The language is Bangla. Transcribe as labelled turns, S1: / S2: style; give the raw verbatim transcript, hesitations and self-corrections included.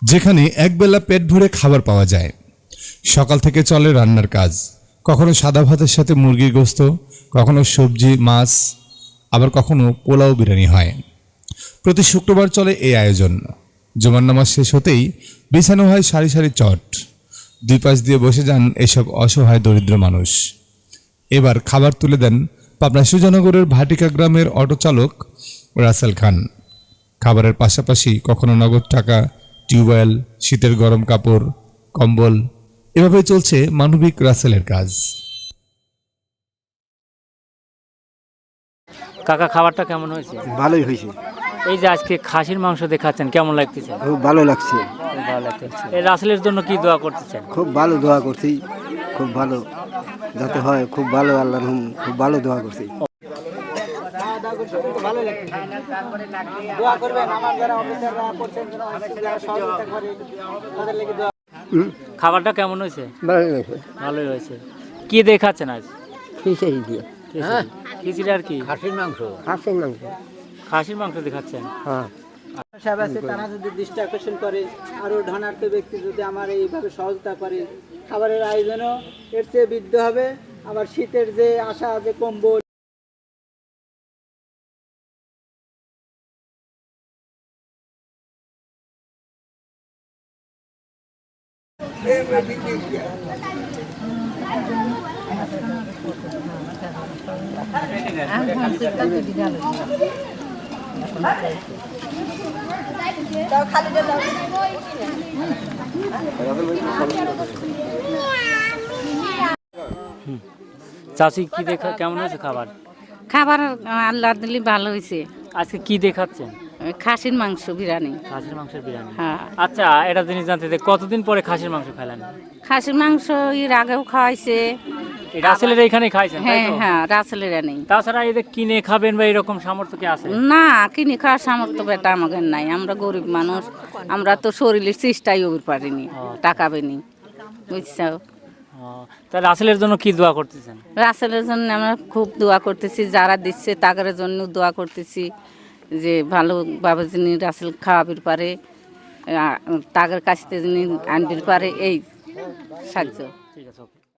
S1: যেখানে একবেলা পেট ভরে খাবার পাওয়া যায়। সকাল থেকে চলে রান্নার কাজ, কখনো সাদা ভাতের সাথে মুরগির গোস্ত, কখনো সবজি মাছ, আবার কখনো পোলাও বিরিয়ানি হয়। প্রতি শুক্রবার চলে এই আয়োজন। জুমার নামাজ শেষ হতেই বিছানো হয় সারি সারি চট, দুই পাশ দিয়ে বসে যান এসব অসহায় দরিদ্র মানুষ। এবার খাবার তুলে দেন পাবনা সুজানগরের ভাটিকা গ্রামের অটো চালক রাসেল খান। খাবারের পাশাপাশি কখনো নগদ টাকা, টিউবওয়েল, শীতের গরম কাপড়, কম্বল, এভাবে চলছে মানবিক রাসেলের কাজ।
S2: কাকা, খাবারটা কেমন হয়েছে?
S3: ভালোই হয়েছে।
S2: এই যে আজকে খাসির মাংস দেখাচ্ছেন, কেমন লাগতেছে?
S3: খুব ভালো লাগছে।
S2: খুব ভালো লাগতেছে। এই রাসেলের জন্য কি দোয়া করতেছেন?
S3: খুব ভালো দোয়া করছি, খুব ভালো যাতে হয়, খুব ভালো আল্লাহ খুব ভালো দোয়া করছি।
S2: খাবারটা কেমন হয়েছে? ভালোই হয়েছে। কি দেখাচ্ছেন আজ?
S3: খিচুড়ি দিয়ে।
S2: খিচুড়ি আর কি?
S3: খাসির মাংস। খাসির মাংস।
S2: খাসির মাংস দেখাচ্ছেন?
S3: হ্যাঁ।
S4: সাহেব আছে, তারা যদি দৃষ্টি আকর্ষণ করে, আরও ধনার্থ ব্যক্তি যদি আমার এইভাবে সহযোগিতা করে, খাবারের আয়োজনও এর চেয়ে বৃদ্ধি হবে। আবার শীতের যে আশা, যে কম্বল,
S2: চাষি কি দেখা কেমন হয়েছে খাবার?
S5: খাবার আল্লাহ দিলি ভালো হয়েছে।
S2: আজকে কি দেখাচ্ছেন?
S5: খাসির মাংস বিরিয়ানি।
S2: খাসির মাংসের বিরিয়ানি।
S5: হ্যাঁ।
S2: আচ্ছা, এটা জিনিস জানতে চাই, কতদিন পরে খাসির মাংস খাইলেন?
S5: খাসির মাংস এর আগেও খাওয়াইছে।
S2: এই রাসেলের এইখানে খাইছেন? তাই
S5: হ্যাঁ
S2: তো?
S5: হ্যাঁ, রাসেলের নেই।
S2: তাছাড়া এই যে কিনে খাবেন বা এরকম সামর্থ্য কি আছে?
S5: না, কিনে খাওয়ার সামর্থ্য বেটা আমাদের নাই। আমরা গরিব মানুষ, আমরা তো শরীরের চেষ্টাই ওর পারিনি, টাকা বেনি, বুঝছো?
S2: তা রাসেলের জন্য কি দোয়া করতেছেন?
S5: রাসেলের জন্য আমরা খুব দোয়া করতেছি, যারা দিচ্ছে তাদের জন্য দোয়া করতেছি যে ভালোভাবে যিনি রাসেল খাওয়াবির পারে, তাদের কাছ থেকে যিনি আনবির পারে, এই সাহায্য।
S2: ঠিক আছে।